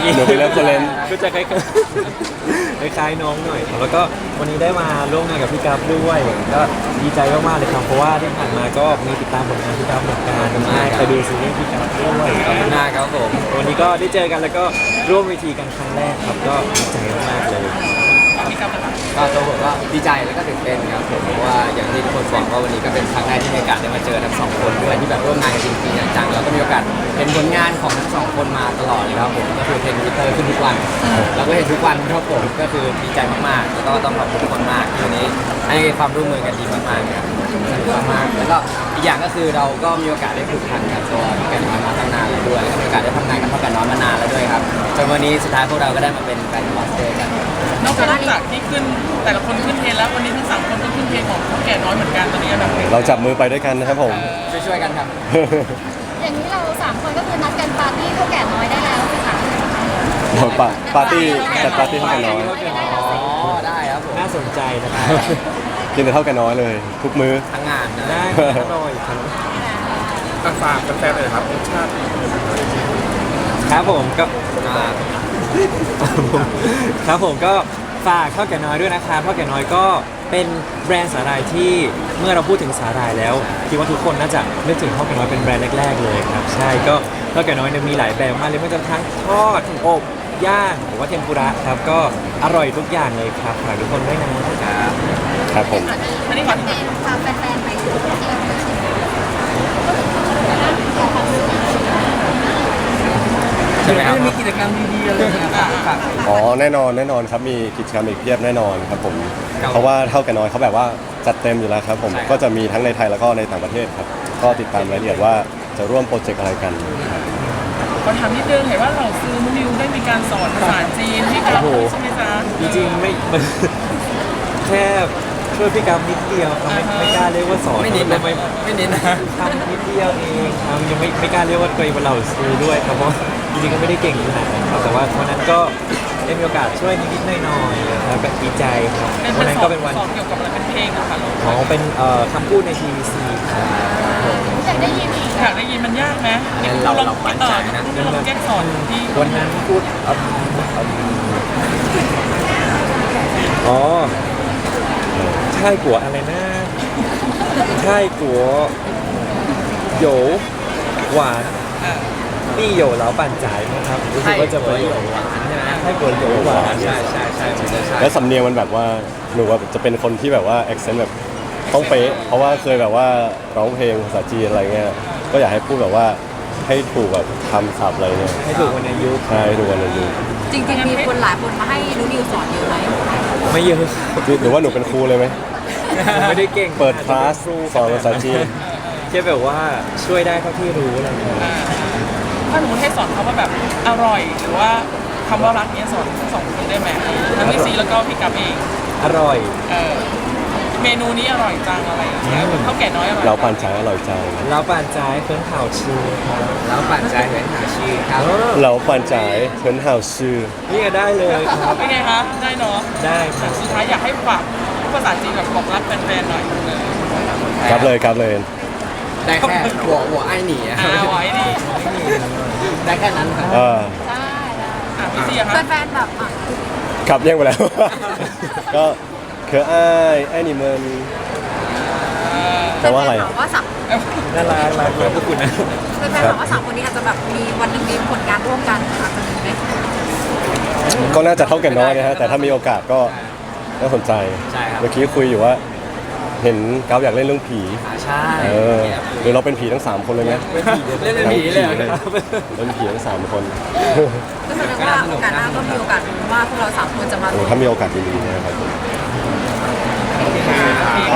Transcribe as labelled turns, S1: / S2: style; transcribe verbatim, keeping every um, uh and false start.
S1: หนูไปเริ่มคนเล่น
S2: ก็จะคล้ายๆคล้ายๆน้องหน่อยครับแล้วก็วันนี้ได้มาร่วมงานกับพี่กัฟด้วยก็ดีใจมากๆเลยครับเพราะว่าที่ผ่านมาก็มีติดตามผลงานพี่กัฟเหมือนกันใช่เคยดูซีรีส์พี่กัฟด้วย
S3: ขอบคุณมากครับผม
S2: วันนี้ก็ได้เจอกันแล้วก็ร่วมเวทีกันครั้งแรกครับก็ดีใจมากๆเลย
S3: ก็ตัวผมก็ดีใจแล้วก็ตื่นเต้นครับผมเพราะว่าอย่างที่ทุกคนบอกว่าวันนี้ก็เป็นครั้งแรกที่มีโอกาสได้มาเจอทั้งสองคนด้วยที่แบบร่วมงานกันจริงๆจังๆแล้วก็มีโอกาสเห็นผลงานของทั้งสองคนมาตลอดเลยครับผมก็คือเทรนด์ทวิตเตอร์ขึ้นทุกวันเราก็เห็นทุกวันครับผมก็คือดีใจมากๆแล้วก็ต้องขอบคุณทุกคนมากที่วันนี้ให้ความร่วมมือกันดีมากๆครับสนุกมากๆแล้วก็อีกอย่างก็คือเราก็มีโอกาสได้ผูกพันกับตัวพี่กันน้อยมาตั้งนานแล้วด้วยแล้วก็มีโอกาสได้ทำงานกับพ่อกันน้อยมานานแล้วด้วยครับจนวันนี้สุดท้ายพวกเราก็ได้มาเป็นแบรนด์มอสเตอร์กัน
S4: นอกจากที่ขึ้นแต่ละคนขึ้นเทรนแล้ววันนี้ทั้งสามคนก็ขึ้นเทรนของเท่าแก่น้อยเหมือนกันตอนนี้อันดับหนึ่ง
S1: เราจับมือไปด้วยกันนะครับผม
S3: ช่วยๆกันครับ
S5: อย่างนี้เราสามคนก็คือนัดกันปาร์ตี้เท่าแก่น้อยได้แล้วสิคะ
S1: ปาปาร์ตี้จัดปาร์ตี้เท่ากันน้อย
S3: อ๋อได้ครับผม
S2: น่าสนใจนะครับ
S1: กินแต่เท่ากันน้อยเลย ทุกมื้อ
S3: ทั้งงานนะ
S2: ได้อร่อยครับ
S6: ฝากแฟนๆเลยครับรสชาติ
S2: ครับผมก็
S3: อ่า
S2: ครับผมก็ฝากข้าวแก่น้อยด้วยนะครับข้าวแก่น้อยก็เป็นแบรนด์สาหร่ายที่เมื่อเราพูดถึงสาหร่ายแล้วคิดว่าทุกคนน่าจะนึกถึงข้าวแก่น้อยเป็นแบรนด์แรกๆเลยครับใช่ก็ข้าวแก่น้อยเนี่ยมีหลายแบบมากเลยไม่ว่าจะทั้งทอดอบย่างหรือว่าเทมปุระครับก็อร่อยทุกอย่างเลยครับฝากทุกคนด้วยนะครับ
S1: ครับผม
S4: อันนี้ขอ
S5: แฟนพาแฟนๆไปเที่ยวด้วยใช่ไหม
S3: ใช่ไหมครับ
S4: มีกิจกรรมดีๆอะไรอย่างเงี้ยฝาก
S1: อ๋อแน่นอนแน่นอนครับมีกิจกรรมอีกเพียบแน่นอนครับผม
S3: ครับ
S1: เพราะว่าเท่ากันน้อยเขาแบบว่าจัดเต็มอยู่แล้วครับผม
S3: ใช่ครับ
S1: ก็จะมีทั้งในไทยแล้วก็ในต่างประเทศครับก็ติดตามรายละเอียดว่าจะร่วมโปรเจกต์อะไรกันครับ
S4: ขอถามนิดนึงเห็นว่าเราซื้อมูนิวได้มีการสอนภาษาจีนที่ครับใช่ไหมจ๊ะ
S2: จริงๆไม่ แค่ช่วยพี่กัฟนิดเดียวครับไม่ไม่กล้าเรียกว่าสอน
S3: ไม่นิดนะ
S2: ไม่
S3: ไม่นิดนะ
S2: ทำนิดเดียวเองครับยังไม่ไม่กล้าเรียกว่าตัวเองเป็นเหล่าซื้อด้วยครับเพราะจริงๆก็ไม่ได้เก่งขนาดนั้นครับแต่ว่าวันนั้นก็ได้มีโอกาสช่วยนิดๆหน่อยๆครับก็ดีใจครับ
S4: เป็น
S2: วันนั้น
S4: สอ
S2: ก็
S4: น
S2: เป็นวัน
S4: สอนเกี่ยวกับอะไรเป็นเพลงนะคะลูก
S2: ของเป็นเอ่อคำพูดในทีวีซีครับ
S5: อยากได้ยินอีก
S4: อยากได้ยินมันยากไหม
S3: งั้นเราเรามั่นใจนะ
S4: เออลองแก้สอนที่
S2: วันนั้นพูดอืมอืมอ๋อใช่กัวอะไรนะใช่กัวโหยวหวาน
S4: เออ
S2: นี่โหยวเหลาปั่นจ่ายนะครับรู้สึกว่าจะเป็น
S3: ใช่กัวโหยวหวานใช่ไหม
S2: ใช่กัวโหยวหวาน
S3: ใช่ใช่ใช่ผมจะใช่
S1: แล้วสำเนียงมันแบบว่าหนูว่าจะเป็นคนที่แบบว่า accent แบบต้องเป๊ะเพราะว่าเคยแบบว่าร้องเพลงภาษาจีนอะไรเงี้ยก็อยากให้พูดแบบว่าให้ถูกแบบคำศัพท์อะไรเนี่ย
S2: ให้ถูกวันในยุค
S1: ใช่ดูกันเลยดู
S5: จริงๆมีคนหลายคนมาให้นูนิวสอนเยอะไหม
S2: ไม่เยอะ
S1: หรือว่าหนูเป็นครูเลยไหม
S2: ผมไม่ได้เก่ง
S1: เปิดคลาสสอนภาษาจีน
S2: แค่แบบว่าช่วยได้เท่าที่รู้อะไรอย่างเงี้ย
S4: อ่าถ้าหนูให้สอนเขาว่าแบบอร่อยหรือว่าคำว่ารักเนี้ยสอนทั้งสองคนได้ไหมทั้งพี่ซีแล้วก็พี่กับเอง
S2: อร่อย
S4: เออเมนูนี้อร่อยจังอะไรอย่างเงี้ยเหมือนข้าวแก่น้อยอร่อย
S1: เราปั่นฉายอร่อยจัง
S2: แล้วป่านใจายเฟิร์นข่าวชื่อครับ
S3: แล้วปั่นใจเห็นหาชื่อครับ
S2: เออ
S1: เราปั่นฉายเฉินห่าวชื่อ
S2: นี่ก็ได้เลยครับ
S4: เป็นไงคะได้เนาะ
S2: ได้ค
S4: แต่
S2: รับ
S4: สุดท้ายอยากให้ฝากภาษาจีนแบบบอกรักแฟนๆหน่อยเออ
S1: ครับเลยครับเลย
S3: ได้แค่หัวหัวไอ้หนีอะ
S4: อ่าไว้ดิ
S3: ได้แค่นั้นครับ
S1: เออ
S5: ได้ได้
S4: อ่ะพี่ซีอะคะ
S5: แฟนๆแบบอ่ะ
S1: ครับแย่งไปแล้ว ก็เคออ้ายไอ้นี่มันแปลว่าอะไร
S5: แฟนๆ
S1: อ่ะ
S5: ถามว่าสาม
S2: น่ารักรักเลยพวกคุณนะ
S5: แฟนๆถามว่าสามคนนี้อาจจะแบบมีวันหนึงมีผลงานร่วมกันอาจจะมีไหม
S1: ก็น่าจะเท่ากันน้อยนะฮะแต่ถ้ามีโอกาสก็น่าสนใจ
S3: ใช่ครับ
S1: เมื่อกี้คุยอยู่ว่า เห็นก้าวอยากเล่นเรื่องผี
S3: อ่าใช่
S1: เออหรือเราเป็นผีทั้งสามคนเลยไหม
S3: เล่นเป็นผีเลยเหรอครับ
S1: เป็นผีทั้งสามคน
S5: ก็แสดงว่าโอกาสหน้าก็มีโอกาสว่าพวกเราสามคนจะมา
S1: โอ้
S5: ร่วม
S1: ถ้ามีโอกาสดีๆนะครับ
S4: โอเค